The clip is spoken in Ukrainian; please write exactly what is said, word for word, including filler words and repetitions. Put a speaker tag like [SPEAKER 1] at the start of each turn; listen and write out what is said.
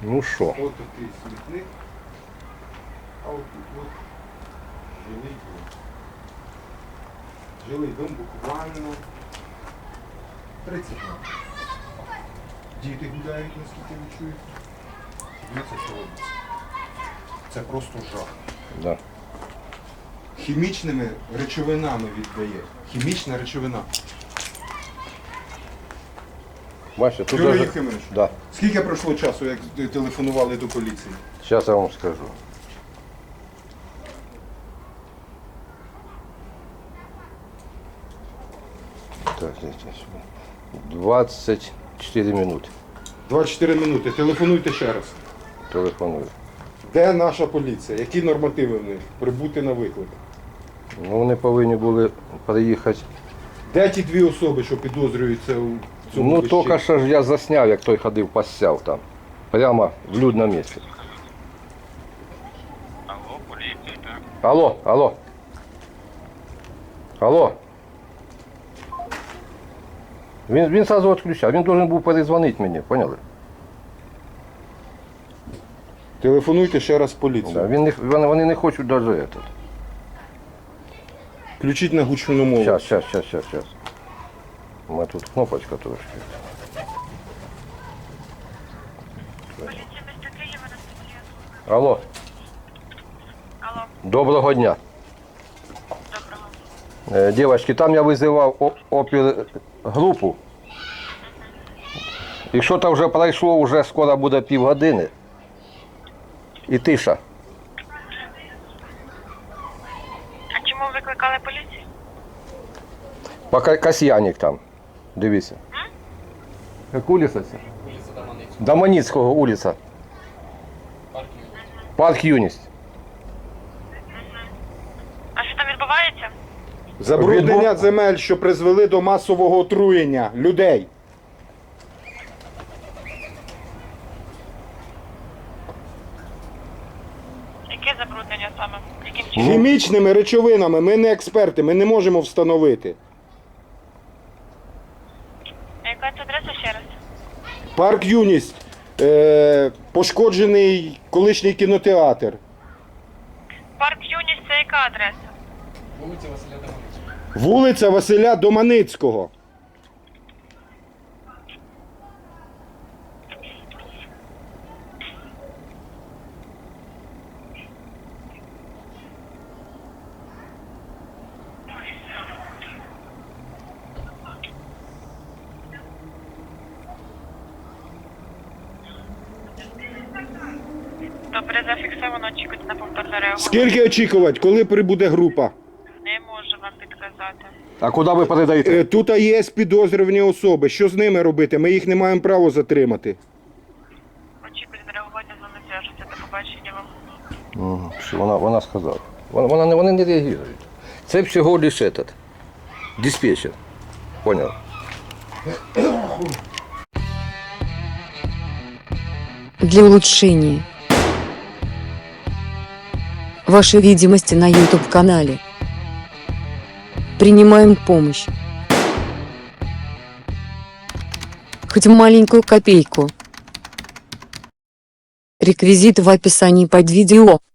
[SPEAKER 1] Ну що?
[SPEAKER 2] Ось такий смітник. А от тут от жилий дом. Жилий дом буквально тридцять метрів. Діти гуляють, наскільки ви чуєте. Дивіться, що робиться. Це просто жах.
[SPEAKER 1] Да.
[SPEAKER 2] Хімічними речовинами віддає. Хімічна речовина.
[SPEAKER 1] Бачите, тут
[SPEAKER 2] Юрій
[SPEAKER 1] даже...
[SPEAKER 2] Єфимович,
[SPEAKER 1] Да.
[SPEAKER 2] скільки пройшло часу, як телефонували до поліції?
[SPEAKER 1] Зараз я вам скажу. Так, здесь двадцять чотири минути.
[SPEAKER 2] двадцять чотири минути. Телефонуйте ще раз.
[SPEAKER 1] Телефоную.
[SPEAKER 2] Де наша поліція? Які нормативи в них? Прибути на виклик.
[SPEAKER 1] Ну, вони повинні були приїхати.
[SPEAKER 2] Де ті дві особи, що підозрюються у цьому
[SPEAKER 1] Ну,
[SPEAKER 2] вищі?
[SPEAKER 1] тільки що ж я засняв, як той ходив, посяв там. Прямо в людному місці.
[SPEAKER 3] Алло, поліція, так.
[SPEAKER 1] Алло, алло. Алло. Він, він сразу відключав, він должен був перезвонити мені, поняли?
[SPEAKER 2] Телефонуйте ще раз в поліцію.
[SPEAKER 1] Да, він не, вони, вони не хочуть навіть этот.
[SPEAKER 2] Включіть на гучну мову.
[SPEAKER 1] Сейчас, сейчас, сейчас, сейчас, сейчас. У мене тут кнопочка трошки.
[SPEAKER 3] Поліція міста Києва на статті.
[SPEAKER 1] Алло,
[SPEAKER 3] Алло,
[SPEAKER 1] доброго дня.
[SPEAKER 3] доброго.
[SPEAKER 1] Е, Дівчатки, там я визивав о- опергрупу. І що то вже пройшло, вже скоро буде півгодини. І тиша.
[SPEAKER 3] А чому викликали поліцію?
[SPEAKER 1] Пока Касьяник там. Дивіться. Як вулиця це?
[SPEAKER 4] Вулиця Доманицького.
[SPEAKER 1] Доманицького вулиця.
[SPEAKER 4] Парк Юність.
[SPEAKER 1] Парк Юність.
[SPEAKER 3] А що там відбувається?
[SPEAKER 2] Забруднення
[SPEAKER 1] Відбу-
[SPEAKER 2] земель, що призвели до масового отруєння людей.
[SPEAKER 3] Яке забруднення саме? Яким
[SPEAKER 1] Ну.
[SPEAKER 3] чином?
[SPEAKER 2] Хімічними речовинами ми не експерти, ми не можемо встановити.
[SPEAKER 3] А яка це адреса ще раз?
[SPEAKER 2] Парк Юність, е, пошкоджений колишній кінотеатр.
[SPEAKER 3] Парк Юність це яка адреса?
[SPEAKER 4] Вулиця Василя Доманицького.
[SPEAKER 2] Вулиця Василя Доманицького.
[SPEAKER 3] Добре, зафіксовано, очікуйте на повторне реагування.
[SPEAKER 2] Скільки очікувати, коли прибуде група?
[SPEAKER 3] Не можу вам підказати.
[SPEAKER 1] А куди ви передаєте?
[SPEAKER 2] Е, Тут є підозрювані особи. Що з ними робити? Ми їх не маємо права затримати.
[SPEAKER 3] Очікуйте на реагування, з вами зв'яжуться. До побачення вам.
[SPEAKER 1] Мгм, що вона, вона сказала. Вона, вона, не- вони не реагують. Це всього лише этот. Диспетчер. Понял?
[SPEAKER 5] Для улучшения вашей видимости на YouTube-канале принимаем помощь. Хоть маленькую копейку. Реквизиты в описании под видео.